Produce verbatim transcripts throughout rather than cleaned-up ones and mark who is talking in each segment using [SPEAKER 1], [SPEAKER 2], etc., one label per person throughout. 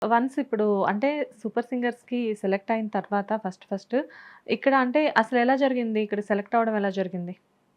[SPEAKER 1] Once ఇప్పుడు అంటే super సింగర్స్‌కి select అయిన తర్వాత ఫస్ట్ ఫస్ట్ ఇక్కడ అంటే అసలెలా జరిగింది? ఇక్కడ సెలెక్ట్ అవ్వడం ఎలా జరిగింది?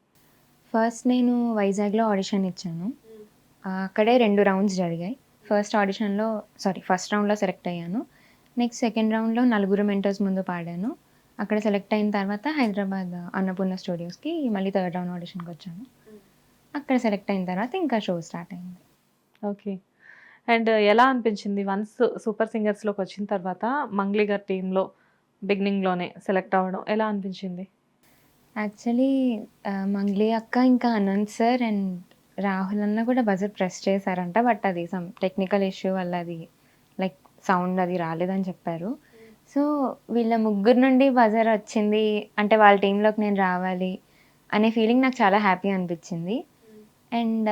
[SPEAKER 2] ఫస్ట్ నేను వైజాగ్‌లో ఆడిషన్ ఇచ్చాను. ఆహ్, అక్కడే రెండు రౌండ్స్ జరిగాయి. ఫస్ట్ ఆడిషన్‌లో సారీ ఫస్ట్ రౌండ్‌లో సెలెక్ట్ అయ్యాను. నెక్స్ట్ సెకండ్ రౌండ్‌లో నలుగురు మెంటర్స్ ముందు పాడాను. అక్కడ సెలెక్ట్ అయిన తర్వాత హైదరాబాద్ అన్నపూర్ణ స్టూడియోస్‌కి మళ్ళీ థర్డ్ రౌండ్ ఆడిషన్‌కొచ్చాను. అక్కడ సెలెక్ట్ అయిన తర్వాత ఇంకా షో స్టార్ట్ అయింది.
[SPEAKER 1] ఓకే. అండ్ ఎలా అనిపించింది? వన్స్ సూపర్ సింగర్స్‌లోకొచ్చిన తర్వాత మంగ్లీ గారి టీమ్‌లో బిగినింగ్‌లోనే సెలెక్ట్ అవ్వడం ఎలా అనిపించింది?
[SPEAKER 2] యాక్చువల్లీ ఆహ్, మంగ్లీ అక్క ఇంకా అనంత్ సార్ అండ్ రాహుల్ అన్న కూడా బజర్ ప్రెస్ చేశారంట. బట్ అది సమ్ టెక్నికల్ ఇష్యూ వల్ల అది లైక్ సౌండ్ అది రాలేదని చెప్పారు. సో, వీళ్ళ ముగ్గురు నుండి బజర్ వచ్చింది అంటే వాళ్ళ టీమ్‌లోకి నేను రావాలి అనే ఫీలింగ్ నాకు చాలా హ్యాపీ అనిపించింది. అండ్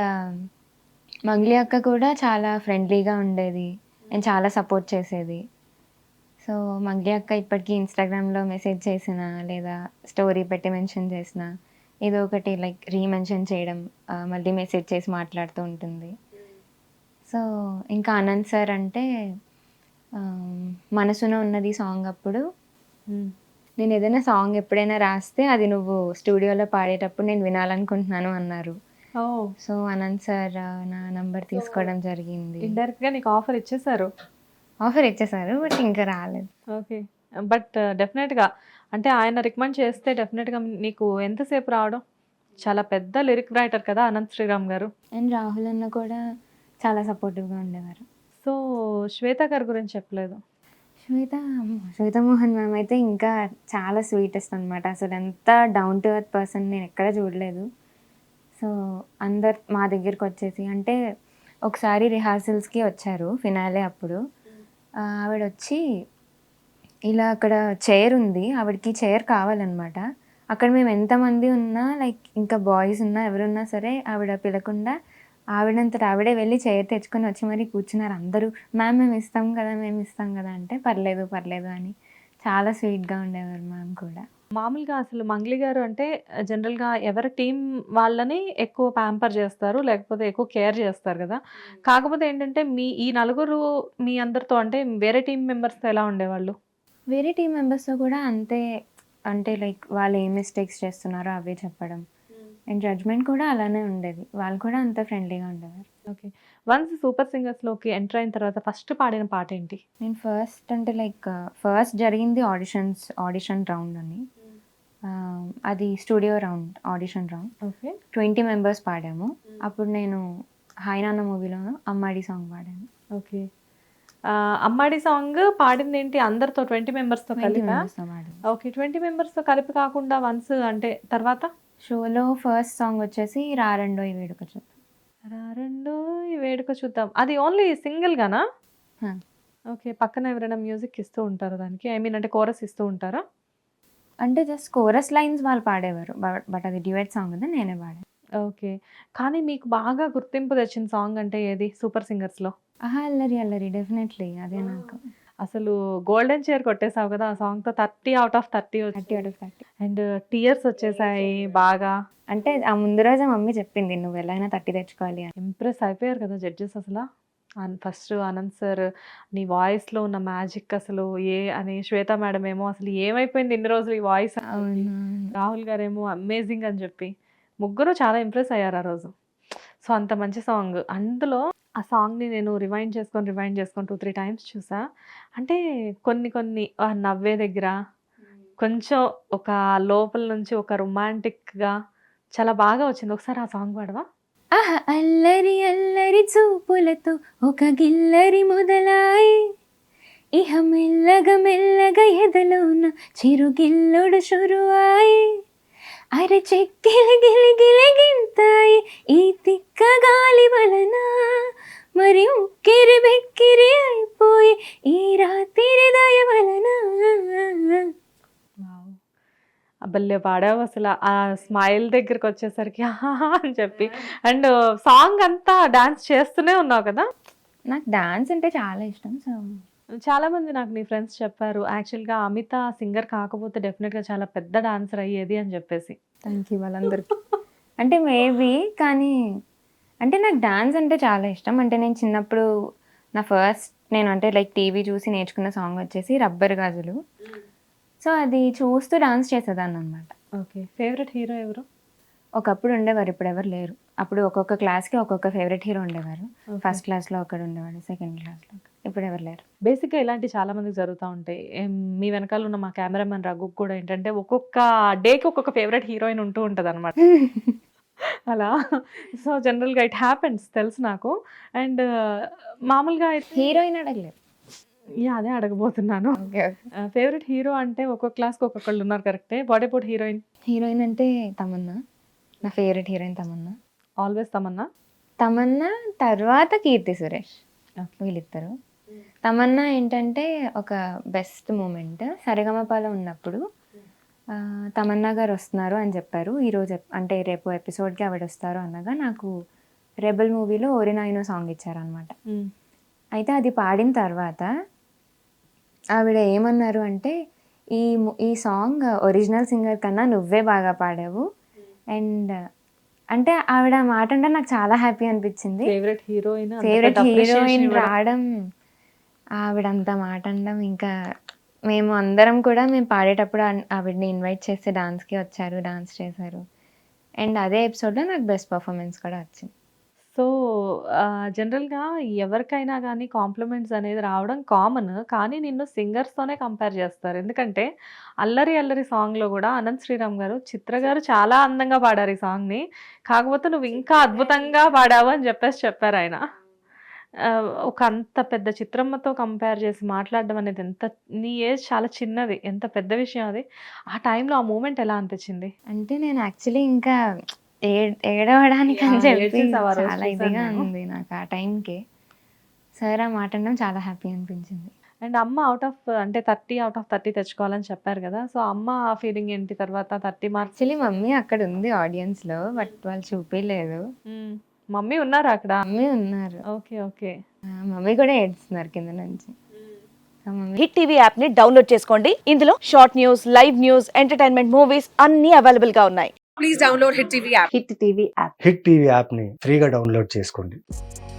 [SPEAKER 2] మంగ్లీ అక్క కూడా చాలా ఫ్రెండ్లీగా ఉండేది. అండ్ చాలా సపోర్ట్ చేసేది. సో, మంగ్లీ అక్క ఇప్పటికి ఇన్‌స్టాగ్రామ్‌లో మెసేజ్ చేసినా, లేదా స్టోరీ పెట్టి మెన్షన్ చేసినా, ఏదో ఒకటి లైక్ రీమెన్షన్ చేయడం, ఆహ్, మళ్ళీ మెసేజ్ చేసి మాట్లాడుతూ ఉంటుంది. సో, ఇంకా అనంత్ సార్ అంటే ఆహ్, 'మనసున ఉన్నది' సాంగ్ అప్పుడు
[SPEAKER 1] హ్మ్.
[SPEAKER 2] నేనేదైనా సాంగ్ ఎప్పుడైనా రాస్తే అది నువ్వు స్టూడియోలో పాడేటప్పుడు నేను వినాలనుకుంటున్నాను అన్నారు.
[SPEAKER 1] ఓహ్!
[SPEAKER 2] సో, అనంత్ సార్ నా నంబర్
[SPEAKER 1] సో,
[SPEAKER 2] తీసుకోవడం జరిగింది.
[SPEAKER 1] ఇండైరెక్ట్‌గా నీకు ఆఫర్ ఇచ్చేసారు.
[SPEAKER 2] ఆఫర్ ఇచ్చేసారు. బట్ ఇంకా రాలేదు.
[SPEAKER 1] ఓకే. బట్ డెఫినెట్‌గా అంటే ఆయన రికమెండ్ చేస్తే డెఫినెట్‌గా నీకు ఎంత సేపు రావడం? చాలా పెద్ద లిరిక్ రైటర్ కదా! అనంత్ శ్రీరామ్ గారు.
[SPEAKER 2] అండ్ రాహుల్ అన్న కూడా చాలా సపోర్టివ్‌గా ఉండేవారు.
[SPEAKER 1] సో, శ్వేత గారి గురించి చెప్పలేదు.
[SPEAKER 2] శ్వేత శ్వేత మోహన్ మ్యామ్ అయితే ఇంకా చాలా స్వీటెస్ట్ అనమాట. అసలెంత డౌన్ టు ఎర్త్ పర్సన్ నేనెక్కడ చూడలేదు. సో, అందరు మా దగ్గరకొచ్చేసి అంటే ఒకసారి రిహార్సల్స్‌కి వచ్చారు ఫినాలే అప్పుడు. ఆహ్, ఆవిడొచ్చి ఇలా అక్కడ చైర్ ఉంది. ఆవిడకి చైర్ కావాలనమాట. అక్కడ మేము ఎంతమంది ఉన్నా లైక్ ఇంకా బాయ్స్ ఉన్నా ఎవరున్నా సరే ఆవిడ పిలకుండా ఆవిడంతట ఆవిడే వెళ్లి చైర్ తెచ్చుకొని వచ్చి మరీ కూర్చున్నారు అందరూ. మ్యామ్ మేము ఇస్తాం కదా! మేము ఇస్తాం కదా! అంటే పర్లేదు, పర్లేదు అని చాలా స్వీట్‌గా ఉండేవారు మ్యామ్ కూడా.
[SPEAKER 1] మామూలుగా అసలు మంగ్లీ గారు అంటే జనరల్‌గా ఎవరి టీమ్ వాళ్ళని ఎక్కువ ప్యాంపర్ చేస్తారు. లేకపోతే ఎక్కువ కేర్ చేస్తారు గదా! కాకపోతే ఏంటంటే మీ ఈ నలుగురు మీ అందరితో అంటే వేరే టీమ్ మెంబర్స్‌తో ఎలా ఉండేవాళ్ళు?
[SPEAKER 2] వేరే టీమ్ మెంబర్స్‌తో కూడా అంతే అంటే లైక్ వాళ్ళు ఏం మిస్టేక్స్ చేస్తున్నారో అవే చెప్పడం. అండ్ జడ్జ్‌మెంట్ కూడా అలానే ఉండేది. వాళ్ళు కూడా అంతే ఫ్రెండ్లీగా ఉండేవారు.
[SPEAKER 1] ఓకే. వన్స్ సూపర్ సింగర్స్‌లోకి ఎంటర్ అయిన తర్వాత ఫస్ట్ పాడిన పాటేంటి?
[SPEAKER 2] నేను ఫస్ట్ అంటే లైక్ ఫస్ట్ జరిగింది ఆడిషన్స్ ఆడిషన్ రౌండ్ అని. ఆహ్, అది studio round audition round.
[SPEAKER 1] Okay.
[SPEAKER 2] ఇరవై మెంబర్స్ పాడాము. అప్పుడు నేను 'హాయ్ నాన్న' మూవీలో 'అమ్మాడి' సాంగ్ పాడాను.
[SPEAKER 1] ఓకే. ఆహ్, 'అమ్మాడి' సాంగ్ పాడిందేంటి అందరితో ఇరవై మెంబర్స్‌తో
[SPEAKER 2] ఇరవై
[SPEAKER 1] కలిపా?
[SPEAKER 2] మెంబర్స్‌తో పాడాను.
[SPEAKER 1] ఓకే. ఇరవై మెంబర్స్‌తో కలిపి కాకుండా వన్స్ అంటే తర్వాత?
[SPEAKER 2] షోలో ఫస్ట్ సాంగ్ వచ్చేసి 'రారండోయ్ వేడుక చూద్దాం.'
[SPEAKER 1] రారండోయ్ వేడుక చూద్దాం. అది ఓన్లీ సింగిల్‌గానా?
[SPEAKER 2] ఆ!
[SPEAKER 1] ఓకే. పక్కన ఎవరైనా మ్యూజిక్ ఇస్తూ ఉంటారా దానికి? ఐ మీన్ అంటే కోరస్ ఇస్తూ ఉంటారా?
[SPEAKER 2] అంటే జస్ట్ కోరస్ లైన్స్ వాళ్ళు పాడేవారు. బట్ బట్ అది డ్యూయెట్ సాంగ్ కదా! నేనే పాడాను.
[SPEAKER 1] ఓకే. కానీ మీకు బాగా గుర్తింపు తెచ్చిన సాంగ్ అంటే ఏది 'సూపర్ సింగర్స్‌లో'?
[SPEAKER 2] 'ఆహా అల్లరి అల్లరి' డెఫినెట్‌లీ అదే నాకు.
[SPEAKER 1] అసలు గోల్డెన్ చైర్ కొట్టేసావు కదా! ఆ సాంగ్‌తో ముప్పై ఔట్ ఆఫ్ ముప్పై
[SPEAKER 2] ముప్పై
[SPEAKER 1] వచ్చింది.
[SPEAKER 2] ఔట్ ఆఫ్ ముప్పై.
[SPEAKER 1] అండ్ టీయర్స్ వచ్చేసాయి బాగా.
[SPEAKER 2] అంటే ఆ ముందు రోజే మమ్మీ చెప్పింది నువ్వెలాగైనా ముప్పై తెచ్చుకోవాలి అని.
[SPEAKER 1] ఇంప్రెస్ అయిపోయారు కదా జడ్జెస్ అసల. అన్ ఫస్ట్ అనంత్ సార్ నీ వాయిస్‌లో ఉన్న మ్యాజిక్ అసలు ఏ అని, శ్వేత మేడమ్ ఏమో అసలు ఏమైపోయింది ఇన్ని రోజులు ఈ వాయిస్ అని చెప్పి,
[SPEAKER 2] అవునవును.
[SPEAKER 1] రాహుల్ గారేమో అమేజింగ్ అని చెప్పి, ముగ్గురు చాలా ఇంప్రెస్ అయ్యారు ఆ రోజు. సో, అంత మంచి సాంగ్. అందులో ఆ సాంగ్‌ని నేను రివైండ్ చేసుకొని, రివైండ్ చేసుకొని రెండు, మూడు టైమ్స్ చూసా. అంటే కొన్ని కొన్ని ఆ నవ్వే దగ్గర కొంచెం ఒక లోపల నుంచి ఒక రొమాంటిక్‌గా చాలా బాగా వచ్చింది. ఒకసారి ఆ సాంగ్ పాడవా?
[SPEAKER 2] ఆహా అల్లరి అల్లరి చూపులతో ఒక గిల్లరి మొదలాయి ఇహ మెల్లగా మెల్లగా ఎదలోన చిరుగిల్లుడు షురువాయి అరె చెక్కిలి గిలి గిలి గింతాయి ఈ తిక్క గాలి వలన మరి ఉక్కిరి బెక్కిరి అయిపోయి ఈ రాత్రి దయ వలన.
[SPEAKER 1] వావ్! భలే పాడావు అసల. ఆ స్మైల్ దగ్గరికొచ్చేసరికి ఆహాహా! అని చెప్పి అండ్ సాంగ్ అంతా డాన్స్ చేస్తూనే ఉన్నావు కదా!
[SPEAKER 2] నాకు డాన్స్ అంటే చాలా ఇష్టం. సో
[SPEAKER 1] చాలామంది నాకు నీ ఫ్రెండ్స్ చెప్పారు. యాక్చువల్‌గా అమిత సింగర్ కాకపోతే డెఫినిట్‌గా చాలా పెద్ద డాన్సర్ అయ్యేది అని చెప్పేసి.
[SPEAKER 2] థ్యాంక్ యూ వాళ్ళందరికీ. అంటే మేబీ కానీ అంటే నాకు డాన్స్ అంటే చాలా ఇష్టం. అంటే నేను చిన్నప్పుడు నా ఫస్ట్ నేను అంటే లైక్ టీవీ చూసి నేర్చుకున్న సాంగ్ వచ్చేసి రబ్బర్ గాజులు. సో అది చూస్తూ డాన్స్ చేసేదాన్ని అనమాట.
[SPEAKER 1] ఓకే. ఫేవరెట్ హీరో ఎవరు?
[SPEAKER 2] ఒకప్పుడు ఉండేవారు, ఇప్పుడు ఎవరు లేరు. అప్పుడు ఒక్కొక్క క్లాస్కి ఒక్కొక్క ఫేవరెట్ హీరో ఉండేవారు.
[SPEAKER 1] Okay.
[SPEAKER 2] ఫస్ట్ క్లాస్లో ఒకడు ఉండేవాడు, సెకండ్ క్లాస్లో ఒకడు. ఇప్పుడు ఎవరు లేరు.
[SPEAKER 1] బేసిక్గా ఇలాంటి చాలా మందికి జరుగుతూ ఉంటాయి. ఏం, మీ వెనకాల ఉన్న మా కెమెరామెన్ రఘు కూడా ఏంటంటే ఒక్కొక్క డేకి ఒక్కొక్క ఫేవరెట్ హీరోయిన్ ఉంటూ ఉంటుంది అనమాట. అలా సో జనరల్గా ఇట్ హ్యాపెన్స్ తెలుసు నాకు. అండ్ మామూలుగా అయితే
[SPEAKER 2] హీరోయిన్ అడగలేదు.
[SPEAKER 1] యా అదే అడగబోతున్నాను.
[SPEAKER 2] Okay okay.
[SPEAKER 1] ఫేవరెట్ హీరో అంటే ఒక్కొక్క క్లాస్కి ఒక్కొక్కళ్ళు ఉన్నారు కరెక్టే. What about heroine?
[SPEAKER 2] హీరోయిన్ అంటే తమన్నా, నా favourite heroine Tamannaah.
[SPEAKER 1] Always Tamannaah.
[SPEAKER 2] Tamannaah తర్వాత కీర్తి సురేష్,
[SPEAKER 1] Okay.
[SPEAKER 2] వీళ్ళిద్దరు. తమన్నా ఏంటంటే ఒక బెస్ట్ మూమెంట్ సరిగమపాలో ఉన్నప్పుడు ఆ, తమన్నా గారు వస్తున్నారు అని చెప్పారు. ఈరోజు ఎప్- అంటే రేపు ఎపిసోడ్కి ఆవిడ వస్తారు అనగా నాకు రెబల్ మూవీలో ఓరినాయినో సాంగ్ ఇచ్చారనమాట.
[SPEAKER 1] మ్మ్.
[SPEAKER 2] అయితే అది పాడిన తర్వాత ఆవిడ ఏమన్నారు అంటే ఈ ము- ఈ సాంగ్ ఒరిజినల్ సింగర్ కన్నా నువ్వే బాగా పాడావు. అండ్ అంటే ఆవిడ ఆ మాట అంటే నాకు చాలా హ్యాపీ అనిపించింది.
[SPEAKER 1] ఫేవరెట్ హీరోయిన్
[SPEAKER 2] ఫేవరెట్ హీరోయిన్ రావడం, ఆవిడ అంత మాట అనడం, ఇంకా మేము అందరం కూడా మేము పాడేటప్పుడు ఆన్- ఆవిడని ఇన్వైట్ చేస్తే డాన్స్కి వచ్చారు, డాన్స్ చేశారు. అండ్ అదే ఎపిసోడ్లో నాకు బెస్ట్ పర్ఫార్మెన్స్ కూడా వచ్చింది.
[SPEAKER 1] సో జనరల్గా ఎవరికైనా కానీ కాంప్లిమెంట్స్ అనేది రావడం కామన్. కానీ నిన్ను సింగర్స్తోనే కంపేర్ చేస్తారు. ఎందుకంటే అల్లరి అల్లరి సాంగ్లో కూడా అనంత్ శ్రీరామ్ గారు, చిత్ర గారు చాలా అందంగా పాడారు ఈ సాంగ్ని. కాకపోతే నువ్వు ఇంకా అద్భుతంగా పాడావు అని చెప్పేసి చెప్పారు ఆయన. ఆ, ఒక అంత పెద్ద చిత్రమ్మతో కంపేర్ చేసి మాట్లాడడం అనేది ఎంత, నీ ఏజ్ చాలా చిన్నది, ఎంత పెద్ద విషయం అది. ఆ టైంలో ఆ మూమెంట్ ఎలా అనిపించింది?
[SPEAKER 2] అంటే నేను యాక్చువల్లీ ఇంకా ఏ ఏడవడానికి అని
[SPEAKER 1] Yeah,
[SPEAKER 2] చెప్పి
[SPEAKER 1] ఏడ్చేసావు ఆ రోజు
[SPEAKER 2] చాలా
[SPEAKER 1] చూసాను
[SPEAKER 2] ఇదిగా
[SPEAKER 1] నేను.
[SPEAKER 2] ఉంది నాకు ఆ టైంకి. సార్ ఆ మాట అనడం చాలా హ్యాపీ అనిపించింది.
[SPEAKER 1] అండ్ అమ్మ అవుట్ ఆఫ్ అంటే థర్టీ అవుట్ ఆఫ్ థర్టీ తెచ్చుకోవాలని చెప్పారు కదా. సో అమ్మ ఫీలింగ్ ఏంటి తర్వాత థర్టీ మార్క్స్?
[SPEAKER 2] యాక్చువల్లీ మమ్మీ అక్కడ ఉంది ఆడియన్స్లో, బట్ వాళ్ళు చూపించలేదు.
[SPEAKER 1] మమ్మీ ఉన్నారా అక్కడ?
[SPEAKER 2] మమ్మీ ఉన్నారు.
[SPEAKER 1] Okay okay.
[SPEAKER 2] ఆ, మమ్మీ కూడా ఏడుస్తున్నారు కింద నుంచి. So mummy
[SPEAKER 3] Hit TV app ని డౌన్లోడ్ చేసుకోండి. ఇందులో short news, live news, entertainment movies అన్ని అవైలబుల్ గా ఉన్నాయి.
[SPEAKER 4] Hit TV app
[SPEAKER 5] Hit TV యాప్ని ఫ్రీగా డౌన్లోడ్ చేసుకోండి.